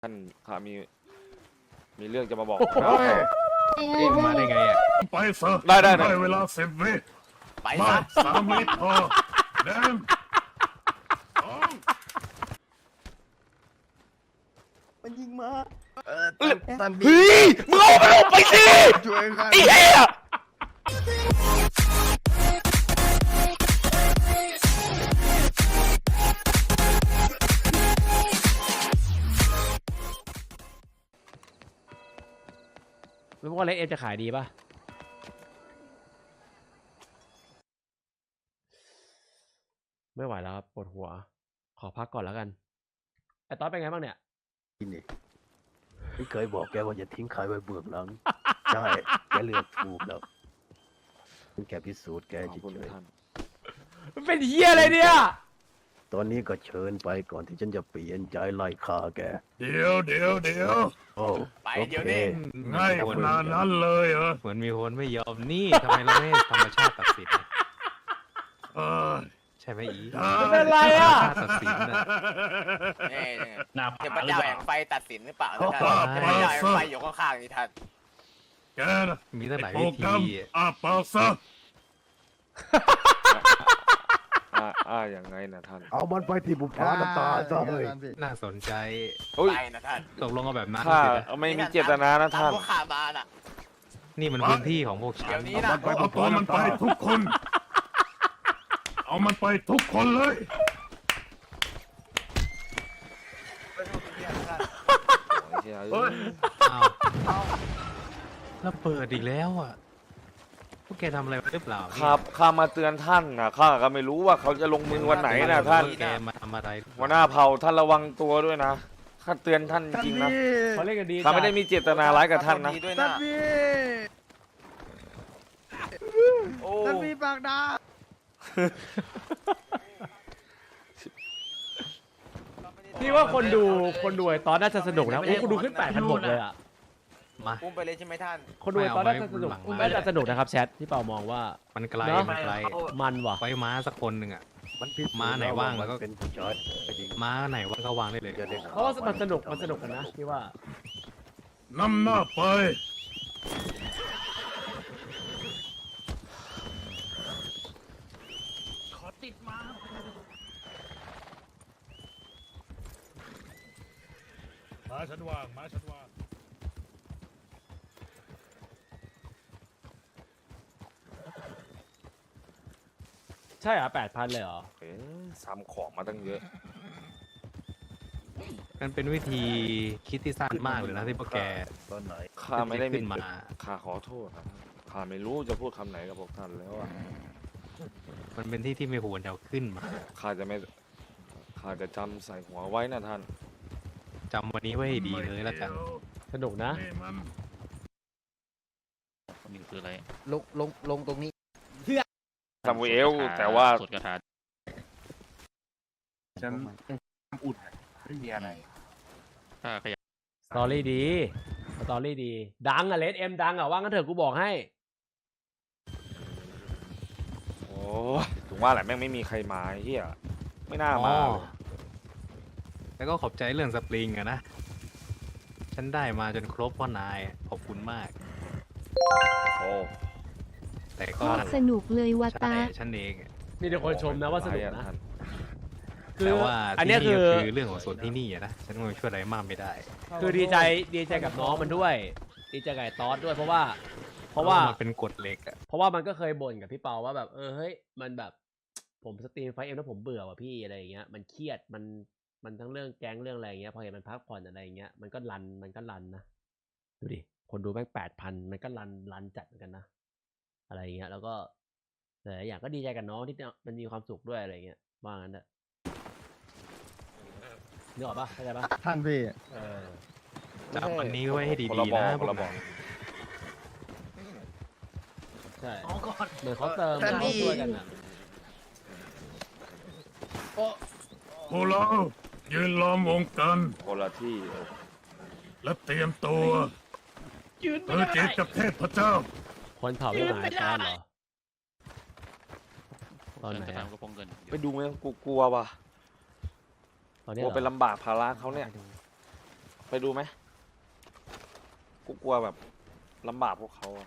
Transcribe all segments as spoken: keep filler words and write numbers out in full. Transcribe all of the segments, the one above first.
ท่านข้ามีมีเรื่องจะมาบอกเอ็งมาได้ไงอ่ะไปซะได้ได้ได้เวลาสิบวิไปมาซะสามวิพอเดินสองมันยิงมาเออตันบีเฮ้ยมึงเอามันออกไปสิช่วยข้าไอ้เหี้ยแล้วว่าเล็กเอ็มจะขายดีป่ะไม่ไหวแล้วครับปวดหัว ขอพักก่อนแล้วกันไอ้ต๊อดเป็นไงบ้างเนี่ยนี่ที่เคยบอกแกว่าอย่าทิ้งใครไว้เบื้องหลัง ใช่แกเลือกถูกแล้วเป็นแกพิสูจน์แกขอบคุณเฉยท่านมันเป็นเฮียอะไรเนี่ยๆตอนนี้ก็เชิญไปก่อนที่ฉันจะเปลี่ยนใจไล่ฆ่าแกเดี๋ยวเดี๋ยวเดี๋ยวโอ้ไปโอเดี๋ยวเคนี้ง่ายขนาดนั้นเลยเหรอเหมือนมีคนไม่ยอมนี่ทำไมเราไม่ให้ธรรมชาติตัดสินอะเออใช่ไหมอีได้มันเป็นไรอ่ะธรรมชาติตัดสินนะนี่นี่หน้าเทผาพหรือเจ้าเปแห่ล่างไฟตัดสินหรือเปล่านะท่านเทพเจ้าแห่งไฟอยู่ข้างๆนี่ท่านแกนะมีตั้งหลายโปรวิแกรธีมอาปากซะอ่าอ่าอย่างไงนะท่านเอามันไปที่บุพาน้ำตาซะเฮ้ยน่าสนใจเฮ้ยไปนะท่านตกลงเอาแบบนั้นข้าสินะไม่มีเจตนานะท่านพวกข้ามาน่ะนี่มันพื้นที่ของพวกฉัเดี๋ยนวนี้นะเอาตัวมันไปทุกคน เอามันไปทุกคนเลยโอ้ยเหี้ยเฮ้ยอ้าวแล้วเปิดอีกแล้วอ่ะพวกแกทำอะไรไว้หรือเปล่าเนี่ยข้าข้ามาเตือนท่านนะข้าก็ไม่รู้ว่าเขาจะลงมือวันไหนนะท่านแกมาทำอะไรหัวหน้าเผ่าท่านระวังตัวด้วยนะข้าเตือนท่านจริงๆนะเขาเล่นกันดีข้าไม่ได้มีเจตนาร้ายกับท่านนะดีด้วยนะโอ้ท่านมีปากดาพี่ว่าคนดูคนดูไอ้ต๊อดน่าจะสนุกนะโอ้คนดูขึ้นแปดพันหกเลยอ่ะมาอุ้มไปเลยใช่ไหมท่านคนดูไอ้ต๊อดน่าจะสนุกไม่เอาไว้น่าจะสนุกนะครับแชทที่เปามองว่ามันไกลเนอะมันไกลมันว่ะไว้ม้าสักคนหนึ่งอ่ะมันพิสูจน์ม้าไหนว่างแล้วก็เป็นผู้ชายจริงม้าไหนว่างก็วางได้เลยจะได้เพราะว่ามันสนุกมันสนุกกันนะพี่ว่านำหน้าไป มาฉันว่าง มาฉันว่างใช่เหรอแปดพันเลยเหรอเอ๊ะซ้ำของมาตั้งเยอะมันเป็นวิธีคิดที่สั้นมากเลยนะที่พวกแกตอนไหนข้าไม่ได้ขึ้มีนมาข้าขอโทษนะข้าไม่รู้จะพูดคำไหนกับพวกท่านแล้วอะมันเป็นที่ที่ไม่ควรจะเอาขึ้นมาข้าจะไม่ข้าจะจำใส่หัวไว้นะท่านจำวันนี้ไว้ให้ดีเลยแล้วกันสนุกนะนี่มันนี่คืออะไรลงลงลงตรงนี้ซามูเอลแต่ว่าสวดคาถาฉันอุดไม่มีอะไรถ้าขยับสตอรี่ดีสตอรี่ดี ดังอะเลสเอ็มดังอะว่างั้นเถอะกูบอกให้โอ้ยถึงว่าแหละแม่งไม่มีใครมาไอ้เฮียไม่น่ามาอ๋อเลยแล้วก็ขอบใจเรื่องสปริงอะนะ ฉันได้มาจนครบพ่อนายขอบคุณมากโอ้แต่ก็สนุกเลยวาใช่ตาฉันเองอะมีแต่คนชมนะว่าสนุกร้ยอนะท่านคือแต่ว่าอันที่เนี้ยนี่คือก็คือเรื่องของส่วนที่นี่อะนะ ฉันคงช่วยอะไรมากไม่ได้คือดีใจดีใจกับน้องมันด้วย ดีใจกับไอ้ตอสด้วยเพราะว่า เพราะว่ามันเป็นกฎเหล็กอะเพราะว่ามันก็เคยบ่นกับพี่เปาว่าแบบเออเฮ้ยมันแบบ ผมสตรีมไฟเอ็มแล้วผมเบื่อว่ะพี่อะไรอย่างเงี้ยมันเครียดมันมันทั้งเรื่องแก๊งเรื่องอะไรอย่างเงี้ยพอเห็นมันพักผ่อนอะไรอย่างเงี้ยมันก็รันมันก็รันนะดูดิคนดูแม่งแปดพันมันก็รันรันจัดเหมือนกันนะอะไรอย่างเงี้ยแล้วก็หลายๆอย่างก็ดีใจกับน้องที่มันมีความสุขด้วยอะไรอย่างเงี้ยว่างั้นเถอะนึกออกปะเข้าใจปะท่านพี่เออจำวันนี้ไว้ให้ดีคนละๆบอนะกคนละบอกใช่เหมือนเขาเติมเขาช่วยกันนะพวกเรายืนล้อมวงกันคนละที่และเตรียมตัวเพื่อเจอกับเทพเจ้าคนเผาไม่หายตอนเหรอตอนไหนจะอะทำกระโปรงเงินไปดูไหมกูกลัวว่ะตอนกนี้ลัเหวรอเป็นลำบากภาระเขาเนี่ยไปดูไหมกูกลัวแบบลำบากพวกเขาอะ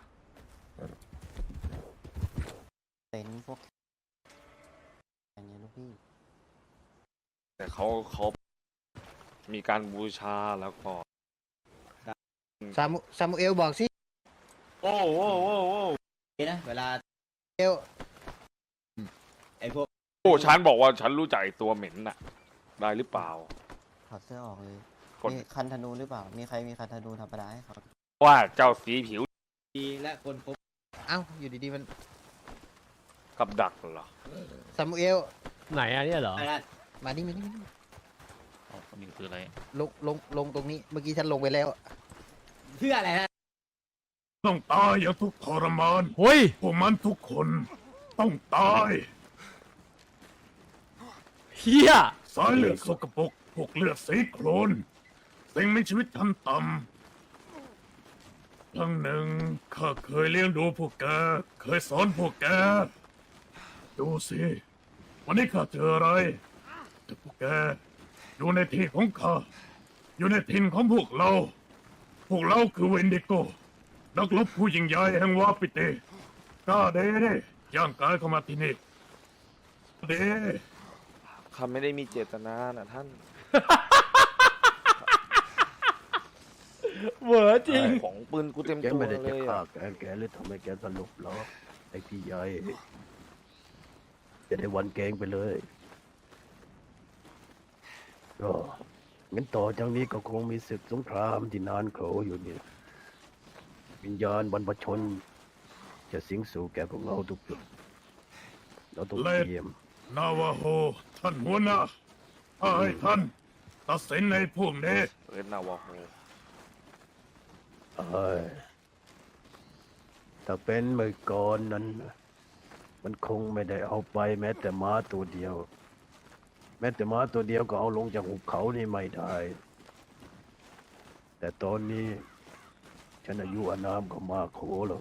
เต็นท์พวกอย่างเงี้ยลูกพี่แต่เขาเขามีการบูชาแล้วก็ซามูซามูเอลบอกสิโอ้โอ้โอ้โอ้นะเวลาเอลไอพวกโอ้ฉันบอกว่าฉันรู้จักไอ้ตัวเหม็นน่ะ ได้หรือเปล่าถอดเสื้อออกเลยกดมีคันธนูหรือเปล่า มีใครมีคันธนูธรรมดาให้เขาว่าเจ้าสีผิวดีและคนพบเอ้าอยู่ดีๆมันกับดักเหรอซามูเอลไหนอะเนี่ยเหรออะไรมานี่มานี่มานี่อ๋อนี่คืออะไรลงลงลงตรงนี้เมื่อกี้ฉันลงไปแล้วเพื่ออะไรฮะต้องตายอย่างทุกข์ทรมานเฮ้ยพวกมันทุกคนต้องตายเฮียสายเลือดสกปรกพวกเลือดสีโคลนสิ่งมีชีวิตชั้นต่ำครั้งหนึ่งข้าเคยเลี้ยงดูพวกแก เคยสอนพวกแก ดูสิ วันนี้ข้าเจออะไรแต่พวกแกอยู่ในที่ของข้า อยู่ในถิ่นของพวกเรา พวกเราคือเวนดิโกนักรบผู้ยิ่งใหญ่แห่งวาปิเตกล้าเด้เด้ย่างกายเข้ามาที่นี่เด้ข้าไม่ได้มีเจตนานะท่านเหวอจริงของปืนกูเต็มแกตัวไม่ได้เลจะยฆ่าอะแกแกหรือทำให้แกสลบหรอไอ้พี่ใหญ่จะได้วันแกงไปเลยก็งั้นต่อจากนี้ก็คงมีศึกสงครามที่นานโขอยู่เนี่ยวิญญาณบรรพชน จะสิงสู่แก่พวกเราทุกจุดเราต้องเตรียมนาวาโฮท่านหัวหน้าถ้าให้ท่านตัดสินในพวกนี้เอิร์นนาวาโฮเอ้ยถ้าเป็นเมื่อก่อนนั้น มันคงไม่ได้เอาไปแม้แต่ม้าตัวเดียว แม้แต่ม้าตัวเดียวก็เอาลงจากหุบเขานี่ไม่ได้ แต่ตอนนี้ ฉันอายุอานามก็มากโขแล้ว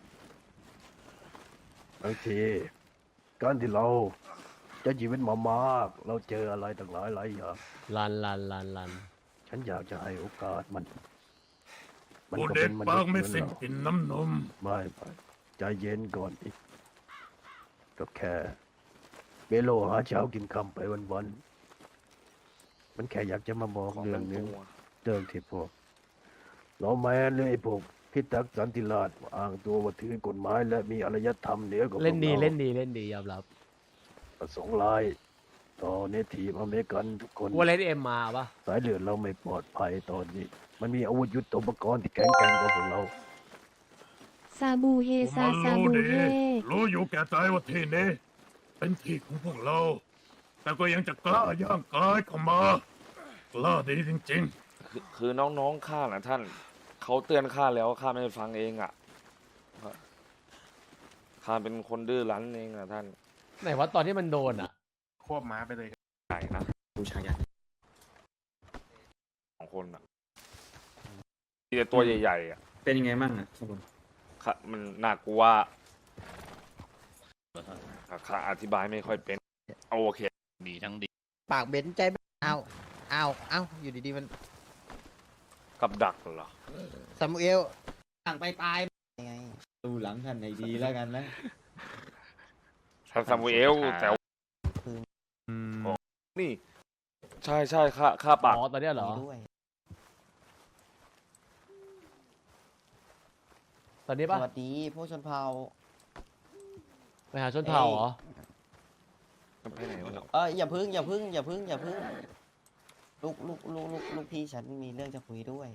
บางทีการที่เราจะชีวิตมามาก เราเจออะไรต่างหลายหลายอย่างลันลันลันลันฉันอยากจะให้โอกาสมัน มันผู้ก็เด็เป็กนมปานุกษย์เหไม่มือนสิ้นเรากินน้ำนมไม่ไม่ใจเย็นก่อนอีกก็แค่เบโลหาเช้ากินคำไปวันๆมันแค่อยากจะมาบอกของเรื่เต็องมหนึงตัวเรื่องที่พวกเราแมนหรือไอ้พวกพิทักษ์สันติราษฎร์อ้างตัวว่าถือกฎหมายและมีอารยธรรมเหนือกว่าพวกเล่นดีราเล่นดีเล่นดียอมรับประสงค์ร้ายต่อเนทีฟอเมริกันทุกคนว่าเล่นเอ็มมาปะสายเลือดเราไม่ปลอดภัยตอนนี้ มันมีอาวุธยุทโธปกรณ์ที่แข็งแกร่งกว่าพวกเราซาบูเฮผมซามันซารู้บูดีเฮรู้อยู่แก่ใจว่าที่นี้เป็นที่ของพวกเรา แต่ก็ยังจะกล้าย่างกายเข้ามากล้าดีจริงคือคือน้องๆข้านะท่าน เขาเตือนข้าแล้วข้าไม่ฟังเองอ่ะข้าเป็นคนดื้อรั้นเองอ่ะท่านไหนว่าตอนที่มันโดนอ่ะๆ ควบม้าไปเลยใหญ่นะบูชายันสองคนอ่ะมีแต่ตัวใหญ่ๆอ่ะเป็นยังไงบ้างอ่ะครับผมข้ามันน่ากลัวอ่ะข้าอธิบายไม่ค่อยเป็นเอาโอเคดีทั้งดีปากเบนใจไม่เอาเอาเอาอยู่ดีๆมันกับดักเหรอซามูเอลสั่งไปตายยังไงดูหลังท่านในดีแล้วกันนะท่านซามูเอลแต่ว่าคือนี่ ใช่ใช่ข้าข้าปากอ๋อตอนเนี้ยเหรอมีด้วยตอนนี้สปะวัสดีพวกชนเผ่าไปหาชนเผ่าเหรอไปไหนวะเนี่ยเอออย่าพึ่งอย่าพึ่งอย่าพึ่งอย่าพึ่งลูกลูกลูกลูกลูกพี่ฉันมีเรื่องจะคุยด้วย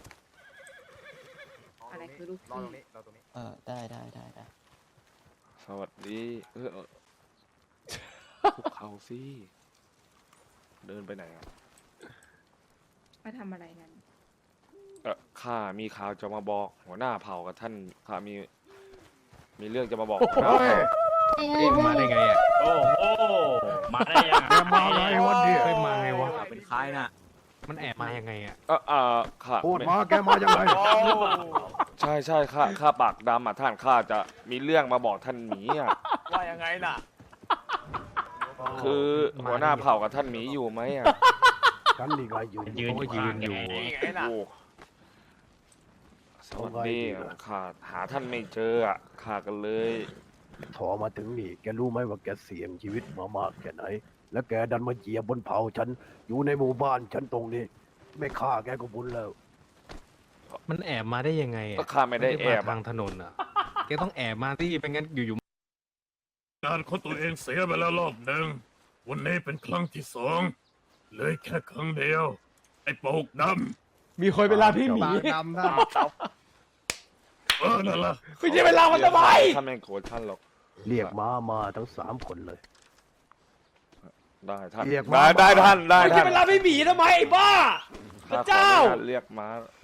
อะไรคือลูกรอพี่ตรงนี้รอตรงนี้เออได้ได้ได้ได้สวัสดีเออเออคุกเขาสิเดินไปไหนอ่ะมาทำอะไรกันเออข้ามีข่าวจะมาบอก หัวหน้าเผ่ากับท่านข้ามี มีเรื่องจะมาบอกหัวหน้าเผ่าเอ๊ะมาได้ไงอ่ะโอ้โหมาได้ยังแกมาไงวันเดียวเคยมาไงวะเป็นใครน่ะมันแอบมายังไงอ่ะเออเออข้าพูดมาแกมายังไงใช่ใช่ข้าข้าปากดำอ่ะท่านข้าจะมีเรื่องมาบอกท่านหมีอ่ะๆว่ายังไงน่ะคือหัวหน้าเผ่ากับท่านหมีอยู่ไหมอ่ะฉันนี่ไงยืนยืนอยู่ยืนอยู่นี่ไงล่ะโอ้สวัสดีข้าหาท่านไม่เจออ่ะข้ากันเลยถอมาถึงนี่แกรู้ไหมว่าแกเสี่ยงชีวิตมามากแค่ไหน แล้วแกดันมาเหยียบบนเผาฉันอยู่ในหมู่บ้านฉันตรงนี้ ไม่ฆ่าแกก็บุญแล้วมันแอบมาได้ยังไงอะก็ข้าไม่ได้แอบทางถนนอ่ะแกต้องแอบมาที่ไม่งั้นอยู่การของตัวเองเสียไปแล้วรอบหนึ่งวันนี้เป็นครั้งที่สองเหลยแค่ครั้งเดียว ไอ้โปกดมีคนเวลาพี่หมีดำท่านำเออนั่นล่ะไม่ใช่เวลามันทำไมท่านไม่โกรธท่านหรอกเรียกม้ามาทั้งสามคนเลยได้ท่านเรียกได้มาได้ท่านได้ไม่ใช่ท่านเวลาพี่หมีทำไมไอ้บ้า พระข้าขอเจ้าอนุญาตเรียกม้านะ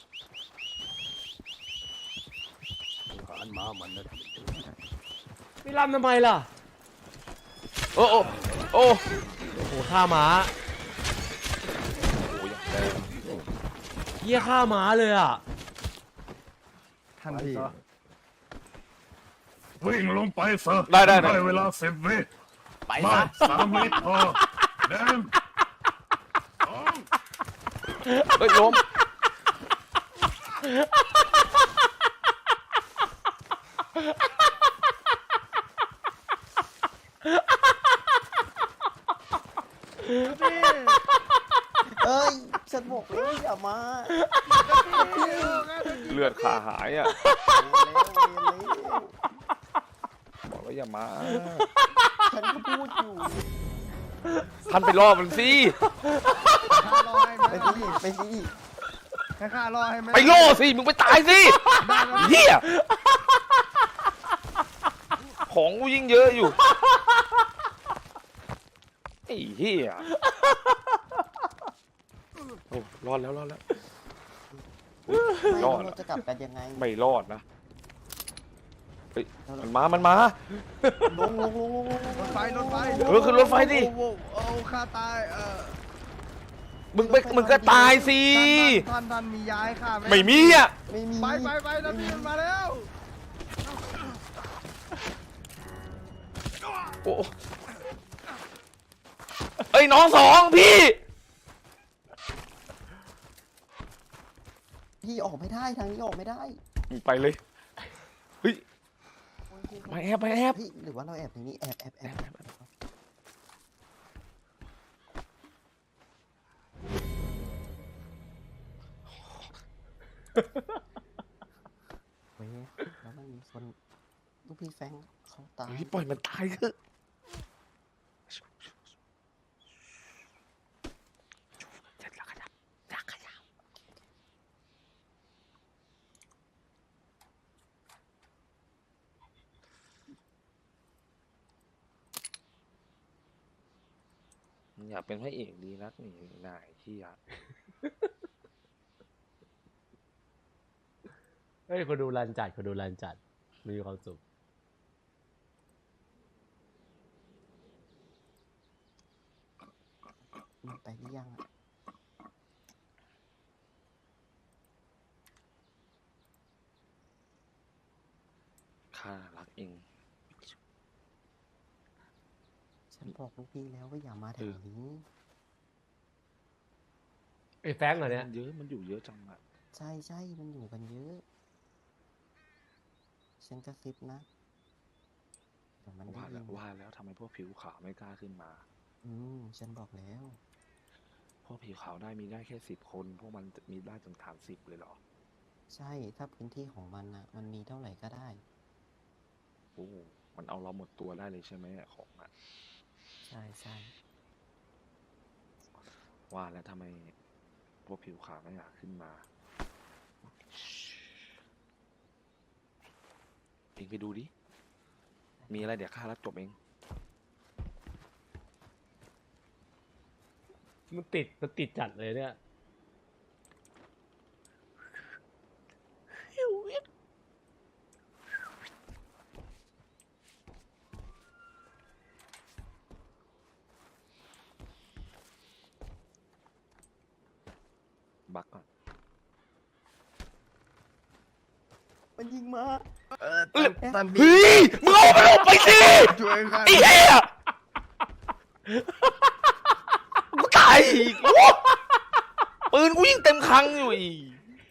ขานม้ามันนะไม่รำทำไมล่ะโอ้โอ้โอ้โอ้โหฆ่าม้าโหอย่างแรงเหี้ยฆ่าม้าเลยอ่ะท่านพี่วิ่งลงไปซะได้ได้ได้ได้เวลาสิบวิไปมาซะสามวิพอหนึ่งสองเฮ้ยล้มเอ้ย ฉันบอกแล้วอย่ามาเลือดขาหายอ่ะเร็วเร็วบอกว่าอย่ามาฉันก็พูดอยู่ท่านไปล่อมันสิข้ารอให้ไหมไปสิไปสิให้ข้ารอให้ไหมไปล่อสิมึงไปตายสิเฮียของกูยิ่งเยอะอยู่ไอ้เฮียโอ้รอดแล้วรอดแล้วไม่รอดเราจะกลับกันยังไงไม่รอดนะเฮ้ยมันมามันมาลงลงลงลงลงรถไฟรถไฟเออขึ้นรถไฟดิโอ้โหเอาข้าตายเออมึงไปมึงก็ตายสิท่านท่านท่านมีย้ายข้าไหมไม่มีอ่ะไม่มีไปไปไปท่านพี่มันมาแล้วโอ้เอ้ยน้องสองพี่พี่ออกไม่ได้ทางนี้ออกไม่ได้ไปเลยเฮ้ยมาแอบมาแอบพี่หรือว่าเราแอบทางนี้แอบแอบแอบแอบเว้ยแล้วมันมีคนลูกพี่แฟงเขาตายเฮ้ยปล่อยมันตายเถอะอยากเป็นพระเอกดีนักนี่นายที่อยากเฮ้ยคนดูรันจัดคนดูรันจัด มีความสุขมันไปหรือยังอะข้ารักเองฉันบอกลูกพี่แล้วว่าอย่ามาแถวนี้ไอ้แฟงเหรอเนี่ยเยอะมันอยู่เยอะจังอะใช่ใช่มันอยู่กันเยอะ ฉันกระซิบนะเดี๋ยวมันได้ว่ายิแล้วนว่าแล้วทำไมพวกผิวขาวไม่กล้าขึ้นมาอืมฉันบอกแล้วพวกผิวขาวได้มีได้แค่สิบคน พวกมันจะมีได้ถึงฐานสิบเลยเหรอใช่ถ้าพื้นที่ของมันนะมันมีเท่าไหร่ก็ได้โอ้มันเอาเราหมดตัวได้เลยใช่ไหมอะของอะใช่ใช่ว่าแล้วทำไมพวกผิวขาวไม่อยากขึ้นมาเองไปดูดิ มีอะไรเดี๋ยวข้ารับจบเองมันติด มันติดจัดเลยเนี่ยบักก่อนมันยิงมาเออท่านท่านพี่เฮ้ยมึงเอามันออกไปสิช่วยข้าไอ้เหี้ยกูตายอีกโอ้ปืนกูยิ่งเต็มคลังอยู่อีก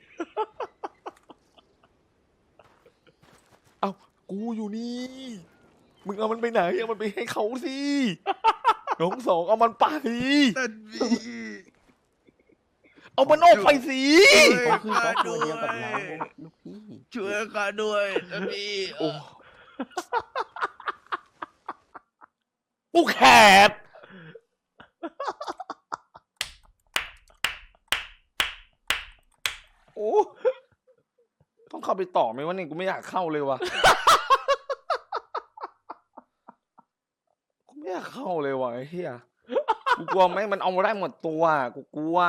เอ้ากูอยู่นี่มึงเอามันไปไหนเอามันไปให้เขาสิน้องสองเอามันไปท่านพี่เอามันออกไปสิเขาคือครอบครัวเดียวกับเราลูกพี่ช่วยข้าด้วยท่านพี่โอ้กูแขกโอ้ต้องเข้าไปต่อไหมวะเนี่ยกูไม่อยากเข้าเลยวะกูไม่อยากเข้าเลยวะไอ้เหี้ยกูกลัวไหมมันเอามาได้หมดตัวกูกลัว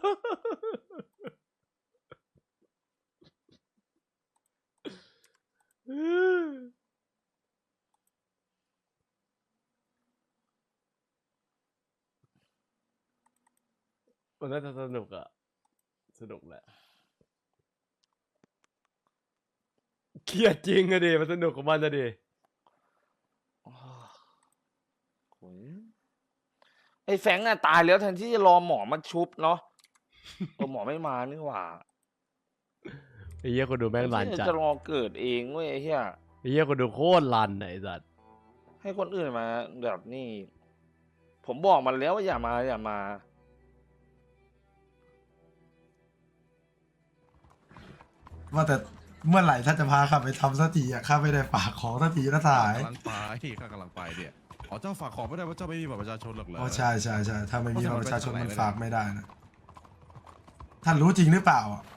มันน่าจะสนุกอะสนุกแหละเครียดจริงอะดิมันสนุกของมันอะดิโอ้ยไอ้แฟงอะตายแล้วแทนที่จะรอหมอมาชุบเนาะเออหมอไม่มานี่หว่าไอ้เหี้ยคนดูแม่งรันไอ้เหี้ยจัดจะรอเกิดเองเว้ยไอ้เหี้ยไอ้เหี้ยคนดูโคตรรันอะไอ้สัตว์ให้คนอื่นมาแบบนี่ ผมบอกมันแล้วว่าอย่ามาอย่ามาว่าแต่เมื่อไหร่ถ้าจะพาข้าไปทำสักทีอ่ะข้าไม่ได้ฝากของสักทีนะสหายกำลังไปข้ากำลังไปเนี่ยอ๋อเจ้าฝากของไม่ได้ว่าเจ้าไม่มีบัตรประชาชนหรอกเหรออ๋อใช่ใช่ใช่ถ้าไม่มีเพบัราะตรประชาชนฉะนั้นมันไปฝากเท่าไหร่ไม่ได้นะท่านรู้จริงหรือเปล่าอ่ะ